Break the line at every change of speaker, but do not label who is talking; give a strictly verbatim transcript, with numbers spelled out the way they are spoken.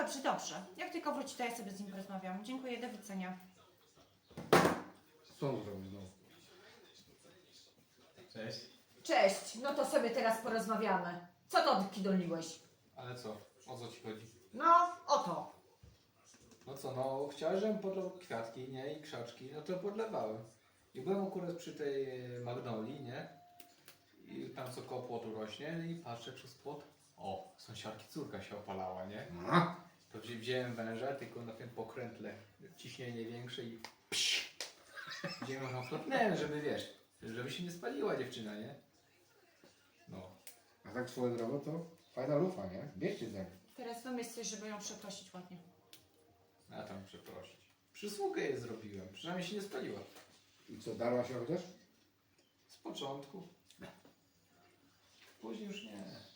Dobrze, dobrze. Jak tylko wróci, to ja sobie z nim porozmawiam. Dziękuję, do widzenia.
Co on zrobił znowu?
Cześć.
Cześć, no to sobie teraz porozmawiamy. Co to odkidolniłeś?
Ale co? O co ci chodzi?
No, oto.
No co, no chciałeś, żebym podlał kwiatki, nie? I krzaczki, no to podlewałem. I byłem akurat przy tej e, magnolii, nie? I tam co koło płotu rośnie i patrzę przez płot. O, sąsiadki córka się opalała, nie?
A?
To wzi- wziąłem węża, tylko na tym pokrętle ciśnienie większe i psz, wziąłem ją chlapnąłem, żeby wiesz, żeby się nie spaliła dziewczyna, nie? No.
A tak swoją drogą to fajna lufa, nie? Bierzcie tak.
Teraz wymyśl coś, żeby ją przeprosić ładnie.
A tam przeprosić. Przysługę jej zrobiłem, przynajmniej się nie spaliła.
I co, darła się chociaż?
Z początku. Później już nie.